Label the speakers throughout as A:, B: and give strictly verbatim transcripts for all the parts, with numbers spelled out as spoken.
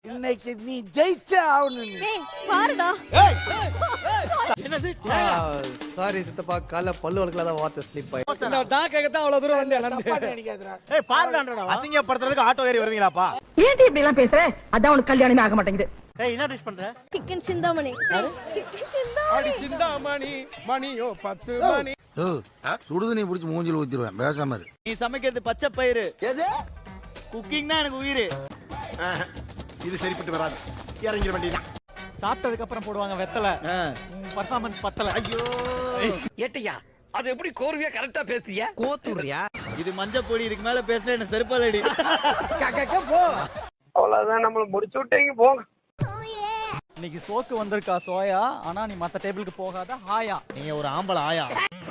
A: இன்னைக்கு நீ ஜெயிச்சே ஆகணும்.
B: ஏய் பாருடா.
C: என்னது?
D: சாரி சித்தப்பா, கால பல்லு வளக்கலாத வார்த்தை ஸ்லிப் ஆயி.
C: நான் கேக்க தான் அவ்வளவு தூரம் வந்தேன்.
A: தப்பா நினைக்காதடா.
C: ஏய் பாருடான்றடா.
E: அசிங்கப்படுத்துறதுக்கு ஆட்டோ ஏறி வருவீங்களாப்பா?
F: ஏன்டி இப்படி எல்லாம் பேசுற? அதான் உனக்கு கல்யாணமே ஆக மாட்டேங்குது.
C: ஏய் என்ன டிஷ் பண்ற?
B: சிக்கன் சிந்தாமணி. சிக்கன் சிந்தாமணி.
G: அடி சிந்தாமணி மணியோ பத்து மணி.
H: சுடுது நீ புடிச்சு மூஞ்சில ஊத்திடுவேன், பேசாம இரு.
E: நீ சமைக்கிறது பச்சை பயிறு. எது? குக்கிங் தான் எனக்கு உயிர்.
H: இது சரிப்பட்டு வராது, இறங்கிட வேண்டியதான்.
C: சாப்பிட்டதுக்கு அப்புறம் போடுவாங்க வெத்தலை. பர்ஃபார்மன்ஸ் பத்தல.
E: ஐயோ
G: ஏட்டையா அது எப்படி கோர்வையா கரெக்டா பேசுறியா?
D: கோத்துறியா?
E: இது மஞ்சள் பொடி, இதுக்கு மேல பேசினா என்ன செருப்பாலடி.
A: போ.
G: அவ்வளவுதான், நம்மள முடிச்சு விட்டீங்க போங்க.
C: இன்னைக்கு சோக்கு வந்திருக்கா சோயா, ஆனா நீ மத்த டேபிளுக்கு போகாத ஹாயா.
E: நீங்க ஒரு ஆம்பளை ஆயா.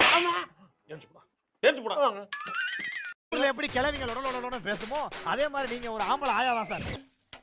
G: ஏத்து போடா.
E: ஊர்ல எப்படி கிழவிங்க லொடலொடலொட பேசுமோ அதே மாதிரி நீங்க ஒரு ஆம்பளை ஆயா தான் சார்.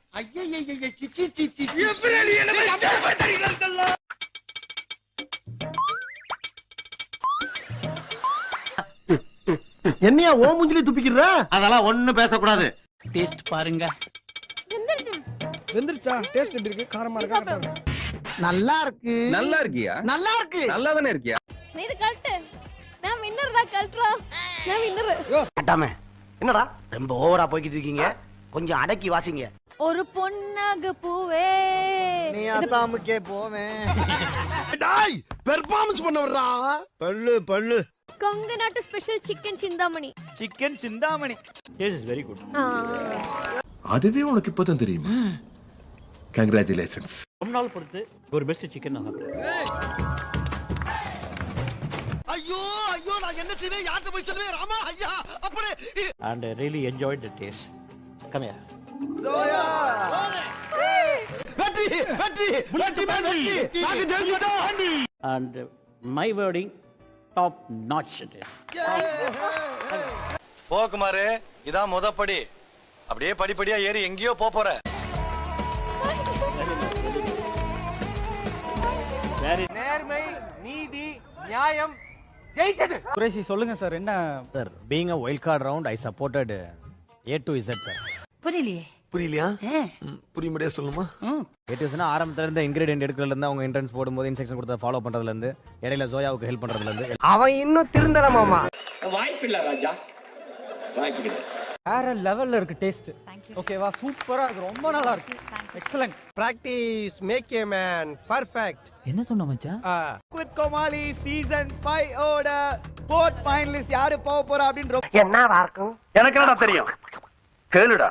D: என்னையா ஓ மூஞ்சிலே துப்பிக்கிற?
H: அதெல்லாம் ஒண்ணும் பேசக்கூடாது.
C: டேஸ்ட் பாருங்க.
B: வெந்திருச்சு.
G: வெந்திருச்சா? டேஸ்ட் எப்படி இருக்கு? காரமா இருக்கா?
D: நல்லா இருக்கு.
H: நல்லா இருக்கியா?
D: நல்லா இருக்கு.
H: நல்லா தானே இருக்கியா?
B: நீ இது கழட்டு. நான் வின்னர்டா, கழட்டுடா. நான் வின்னர்.
D: அட்டாமே என்னடா ரொம்ப ஓவரா போய்கிட்டு இருக்கீங்க, கொஞ்சம் அடக்கி வாசிங்க.
B: ஒரு பொன்னாக பூவே.
E: நீ அசாமுக்கே போவேன்.
H: டாய் பெர்ஃபார்மன்ஸ் பண்ண வர்றா.
E: பல்லு பல்லு.
B: கொங்கு நாட்டு special chicken Chintamani.
E: Chicken Chintamani.
C: Taste is very good.
H: அதுவே உனக்கு இப்பதான் தெரியுமா? கங்க்ராச்சுலேஷன்ஸ்.
C: ரொம்ப நாள் பொறுத்து ஒரு பெஸ்ட் சிக்கன் நான் சாப்பிட்டேன்.
H: ஐயோ ஐயோ, நான் என்ன செய்வேன், யார்கிட்ட போய் சொல்லுவேன்? ராமா ஐயா அப்படி.
C: And I really enjoyed the taste. Come here.
D: வெற்றி வெற்றி வெற்றி வெற்றி, நாங்க ஜெயிச்சிட்டோம்.
C: And my wording, top notch it is.
I: போக்குமாரு, இதான் முதப்படி. அப்படியே படிப்படியா ஏறி எங்கேயோ போற.
G: நேர்மை, நீதி, நியாயம் ஜெயிச்சது.
C: குரேஷி சொல்லுங்க சார், என்ன
E: sir, being a wild card round, I supported A to Z sir.
F: புரியலையே.
H: புரியலையா? புரியும்படியா சொல்லுமா?
E: A to Z னா ஆரம்பத்துல இருந்து இன்கிரிடியன்ட் எடுக்கிறதுல இருந்து, அவங்க என்ட்ரன்ஸ் போடும்போது இன்ஸ்ட்ரக்ஷன் கொடுத்த ஃபாலோ பண்றதுல இருந்து, இடையில ஜோயாவுக்கு ஹெல்ப் பண்றதுல இருந்து.
D: அவன் இன்னும் திருந்தல மாமா.
G: வாய்ப்பில்லை ராஜா, வாய்ப்பில்லை.
C: வேற லெவல்ல இருக்கு டேஸ்ட். ஓகேவா, சூப்பரா இருக்கு, ரொம்ப நல்லா இருக்கு. Excellent.
D: Practice make a man perfect.
C: என்ன சொன்ன மச்சான்?
E: With Komali சீசன் ஃபைவ் ஓட fourth finalist யாரு போக போறா அப்படின்ற
D: என்னவா இருக்கும்?
H: எனக்கு என்னடா தெரியும், கேளுடா.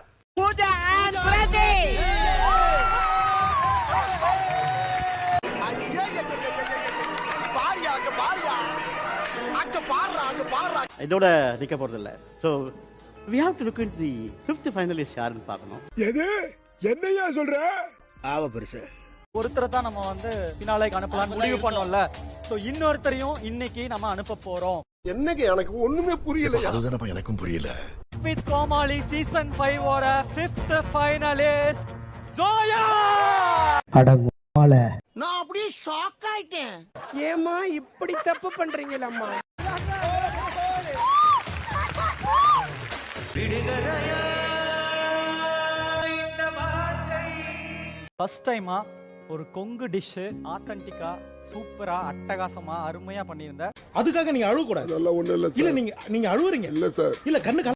C: இதோட நிக்க போறது இல்ல. So we have to look into the fifth finalist யாருன்னு பார்க்கணும்.
G: எது என்னையா சொல்ற?
H: ஆவ பெருசு.
C: ஒருத்தரை தான் நம்ம வந்து ஃபினாலேக்கு அனுப்பலாம்னு முடிவு பண்ணோம்ல. சோ இன்னொருத்தரையும் இன்னைக்கு நம்ம அனுப்ப போறோம்.
H: என்னங்க எனக்கு ஒண்ணுமே புரியல. அதுதானப்பா எனக்கும் புரியல.
C: With Komali சீசன் ஃபைவ் ஓட fifth finalist ஜோயா.
A: நான் அப்படியே ஷாக் ஆயிட்டேன்.
G: ஏமா இப்படி தப்பு பண்றீங்களம்மா?
C: ஃபர்ஸ்ட் டைமா ஒரு கொங்கு டிஷ் ஆத்தென்டிக்கா சூப்பரா அட்டகாசமா அருமையா பண்ணியிருந்த.
G: அதுக்காக நீங்க அழுவ கூடாது. இல்ல நீங்க நீங்க அழுவுறீங்க. இல்ல சார், இல்ல கண்ணு